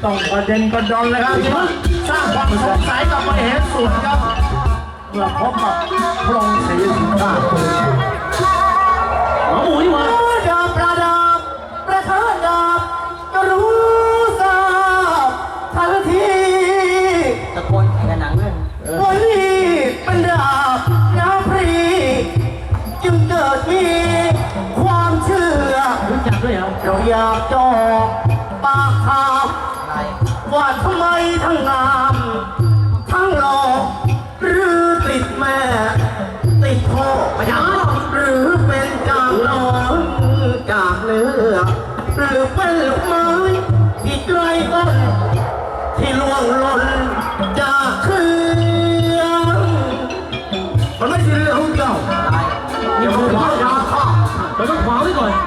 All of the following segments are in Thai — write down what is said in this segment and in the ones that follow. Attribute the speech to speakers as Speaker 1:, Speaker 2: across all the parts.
Speaker 1: ต้องประเด็นประดอนเลยครับสร้างความสงสัยกับมเหสุดครับเมื่อพบกับพระองค์ศรีสุชาติ
Speaker 2: หมอหมูนี่หว่า
Speaker 1: ดาบประดับประเทิดดาบก็รู้ทราบทันที
Speaker 3: ตะโกนแข่งกันหนังเรื่อง
Speaker 1: วันนี้เป็นดาบน้ำพรีจึงเกิดมีความเชื่อ
Speaker 2: รู้จักด้วยเหรอ
Speaker 1: เราอยากจอกปากถามว่าทำไมทั้งงามทั้งหล่อหรือติดแม่ติดพ่อไม่ได้หรือเป็นจางนอนจากเนื้อหรือเป็นลูกไม้ที่ไกลต้นที่ล่วงหล่นจากเครื่องมันไม่ใช่เรื่องของเจ้าอย่ามาขวางข้า
Speaker 2: เราต้องขวางไว้ก่อน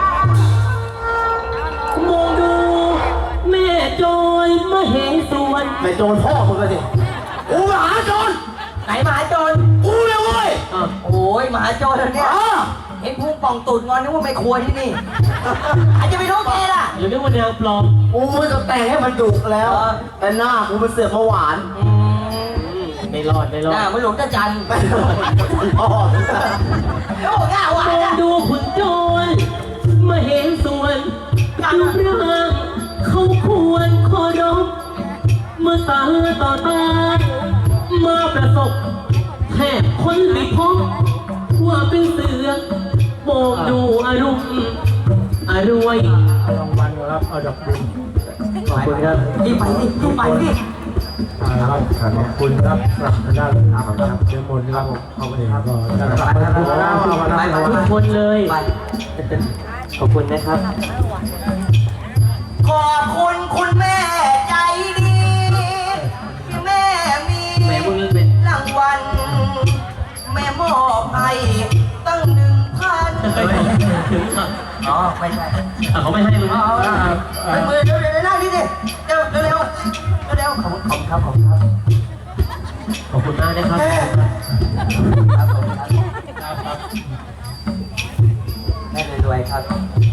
Speaker 2: มองดูแม่จอยมาเห็นส่วน
Speaker 1: แม่โจรพ่อมึงกันสิกูมหาโจร
Speaker 3: ไหนมหาโจร
Speaker 1: กูเลยเว้ย
Speaker 3: โอ้ยมหาโจรเนี่ยเห็นพุงป่องตูดงอนนึกว่าไม่ครัวที่นี่อาจจะไปรู้แกล่ะ
Speaker 2: หรือนึกว่าแนวปลอม
Speaker 1: กูไม่จะแต่งให้มันดุแล้วแต่หน้ากูมันเสือกมาหวาน
Speaker 2: ไม่รอด
Speaker 3: หน้ามันหลงจะจัน
Speaker 1: พ่อ
Speaker 3: โอ้ง่าหวาน
Speaker 2: มองดูขุนโจรมาเห็นส่วนรูปร่างเขาควรเคารพเมื่อตาต่อตามาประสบแทบคนไม่พบว่าเป็นเสือมองดูอารมณ์อรวย
Speaker 1: รางวัลครับเอาดอกบุญ
Speaker 2: ขอบคุณครับ
Speaker 3: รีบไปดิรีบไปดิ
Speaker 1: ครับขอบคุณครับสำหรับด้านข่าวครับเจ้ามนครับเอาไปครับก็จะรับไป
Speaker 2: ทุกคนเลยขอบคุณนะครับ
Speaker 3: ขอบคุณคุณแม่ใจดีที่แม่มีรางวัลแม่มอบให้ตั้ง1,000
Speaker 2: ถึงค่ะ
Speaker 3: อ๋อไม่ใช่
Speaker 2: เขาไม่ให้มึง
Speaker 3: ไปมือเร็วๆนั่งนี่ดิเร็วเร็วเร็วขอบคุณครับขอบคุณครับ
Speaker 2: ขอบคุณมากนะครับ
Speaker 3: แม่รวยๆครับ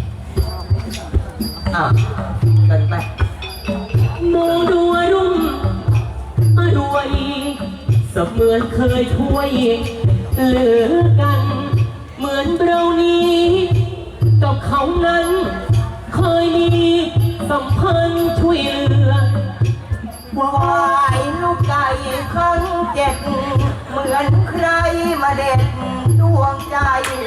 Speaker 3: เกินไป
Speaker 2: มองดูรุ่มรวยเสมือนเคยช่วยเหลือกันเหมือนเรานี้กับเขานั้นเคยมีสัมพันธ์ช่วยเหลือ
Speaker 3: วายลูกไก่ครั้ง7เหมือนใครมาเด็ดดวงใจ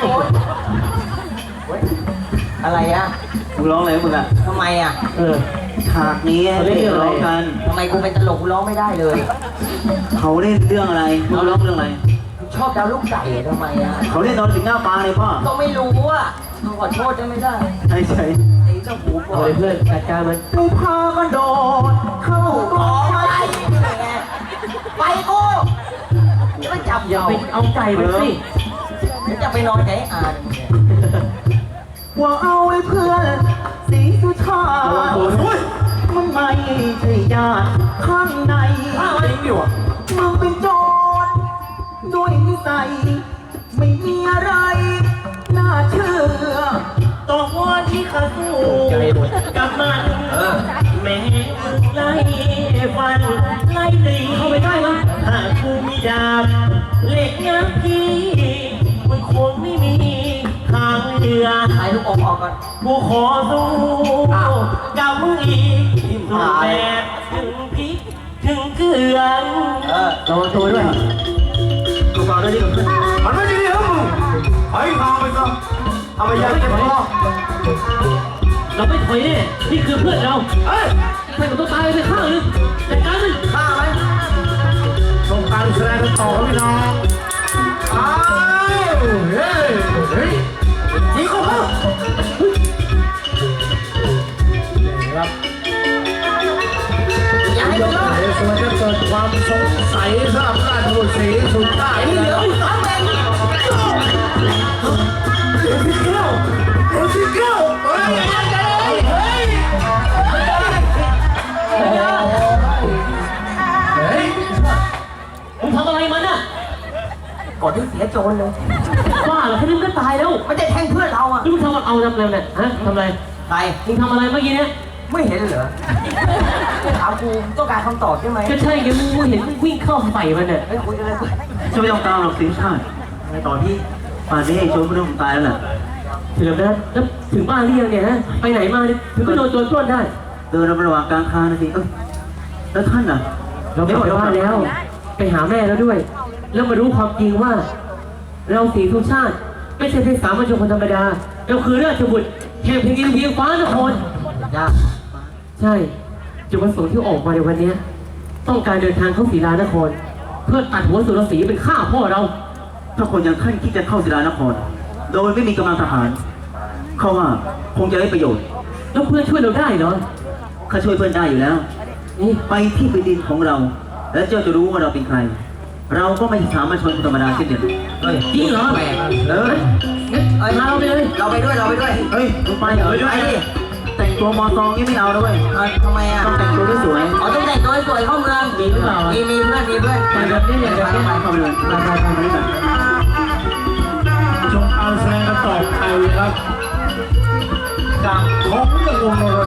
Speaker 3: อะไรอ่ะ
Speaker 2: มึงร้องอะไรมึงอ่ะ
Speaker 3: ทำไมอ่ะ
Speaker 2: ฉากนี้เล่นเรื่องอะไรกัน
Speaker 3: ทำไมกูเป็นตลกกูร้องไม่ได้เลย
Speaker 2: เขาเล่นเรื่องอะไรเขาร้องเรื่องอะไร
Speaker 3: ชอบดาวลูกไก่ทำไมอ่ะ
Speaker 2: เขาเล่นตอนถึงหน้าปลาเลยพ่อ
Speaker 3: ก็ไม่รู้อ่ะขอโทษได้ไม่ได้
Speaker 2: ใช่
Speaker 3: ไอ้เจ้าหูบอ
Speaker 2: ยเพื่อนจัดการมัน
Speaker 1: กูพามันโดดเข้ากองไฟ
Speaker 3: ไปกูจะไปจับ
Speaker 2: อย่าไปเอาไก่ไปสิ
Speaker 3: จะไปนอนใจอ่าน
Speaker 1: ว่าเอาไอ้เพื่อนสีสุชาติมันไม่ใช่ญาติข้างในมึงเป็นโจรด้วยนิสัยไม่มีอะไรน่าเชื่อต่อว่าที่ข้าสู้กับมันแม่ไล่ฟันไล่ตี
Speaker 2: เข้าไปได้ไหม
Speaker 1: ถ้ากูมีดาบเหล็กน้ำพี่มันคงไม่มีทางเลือ
Speaker 3: ถ่ายลูกอมออกก่อน
Speaker 1: กูขอสู้กับมึงอีกสู้แบบถึงพริกถึงเกลือ
Speaker 2: ระวังตัวด้วย
Speaker 1: กูบอกด้วยดิมันไม่ดีครับมึงไอ้ทางไปซะทำไมยังไม่พอ
Speaker 2: เราไม่ถอยแน่นี่คือเพื่อนเราใครก็ต้องตายไปข้างนึงแต่การมัน
Speaker 1: ฆ่าไหมต้องการแสดงต่อพี่น้องอ้าวเฮ้ยจีเขาครับ
Speaker 3: อย่าให้มันรอด
Speaker 1: ส่วนจะเกิดความสงสัยสำหรับราชบุตรศรีสุดใต้
Speaker 3: เหลืออีก2เมตร
Speaker 1: พี่เก้าเฮ้ย
Speaker 2: มึงทำอะไรมันอ่ะ
Speaker 3: ก่อนที่เสียโจรเลย
Speaker 2: ว่าเหรอแค่นี้ก็ตายแล้ว
Speaker 3: ไม่ได้แทงเพื่อนเราอ่ะ
Speaker 2: มึงทำเอาทำอะไรเนี่ยฮะทำอะไร
Speaker 3: ใคร
Speaker 2: มึงทำอะไรเมื่อกี้เนี่ย
Speaker 3: ไม่เห็นเหรอถามกูต้องการคำตอบใช่ไหม
Speaker 2: ก็ใช่ไงมึงเห็นมึงวิ่งเข้าใส่มันเนี่ย
Speaker 3: เฮ้ยคุยกันเลย
Speaker 1: จะไม่ต้องตามหรอกสิงห์ชาติในตอนที่ป่านนี้ไอ้โจรพวกนั้นผมตายแล้วแหละ
Speaker 2: ถึงแล้วแล้วถึงบ้านหรือยังเนี่ยฮะไปไหนมาเนี่ยถึงก็โดนโจรปล้นได้
Speaker 1: เดินระหว่างกลางทางนะสิแล้วท่านน่ะ
Speaker 2: เรากลับไปบ้านแล้ว ไปหาแม่แล้วด้วย แล้วมารู้ความจริงว่า เราสีทุกชาติ ไม่ใช่เพียงสามัญชนคนธรรมดา เราคือราชบุตรแห่งแผ่นดินเวียงฟ้านคร
Speaker 3: ยาก
Speaker 2: ใช่จุดประสงค์ที่ออกมาในวันนี้ต้องการเดินทางเข้าศรีลานคร เพื่อตัดหัวสุรศรีเป็นฆ่าพ่อเรา
Speaker 1: ถ้าคนอย่างท่านคิดจะเข้าศิลานคร โดยไม่มีกำลังทหารเขาว่าคงจะได้ประโยชน์
Speaker 2: แล้วเพื่อนช่วยเราได้เหรอ
Speaker 1: ข้าช่วยเพื่อนได้อยู่แล้ว
Speaker 2: นี่
Speaker 1: ไปที่แผ่นดินของเรา แล้วเจ้าจะรู้ว่าเราเป็นใคร เราก็ไม่ใช่สามัญชนธรรมดาเช่นเดียวกันเฮ้ย
Speaker 2: จริงเหรอ
Speaker 3: แปลก
Speaker 1: เออ
Speaker 2: งั้นพาเราไปเลย
Speaker 3: เราไปด้วยเราไปด้วย
Speaker 1: เฮ้ยมึงไปเหรอ
Speaker 3: ไปดิ
Speaker 1: แต่งตัวมอซองนี่ไม่เอาด้วย
Speaker 3: ทำไมอ่ะ
Speaker 1: ต้องแต่งตัวสวย
Speaker 3: อ๋อต้องแต่งตัวให้สวยเข้าเมือง
Speaker 2: มีหรือเปล่า
Speaker 3: มีเพื่อนมีเพื่อน
Speaker 2: แต่แบบนี้เนี่ยแบบนี้
Speaker 1: ๆเข้าไปเลยไปเลยแบบ
Speaker 4: ชมการแสดงกันต่อไปครับจากของเรื่องวงโน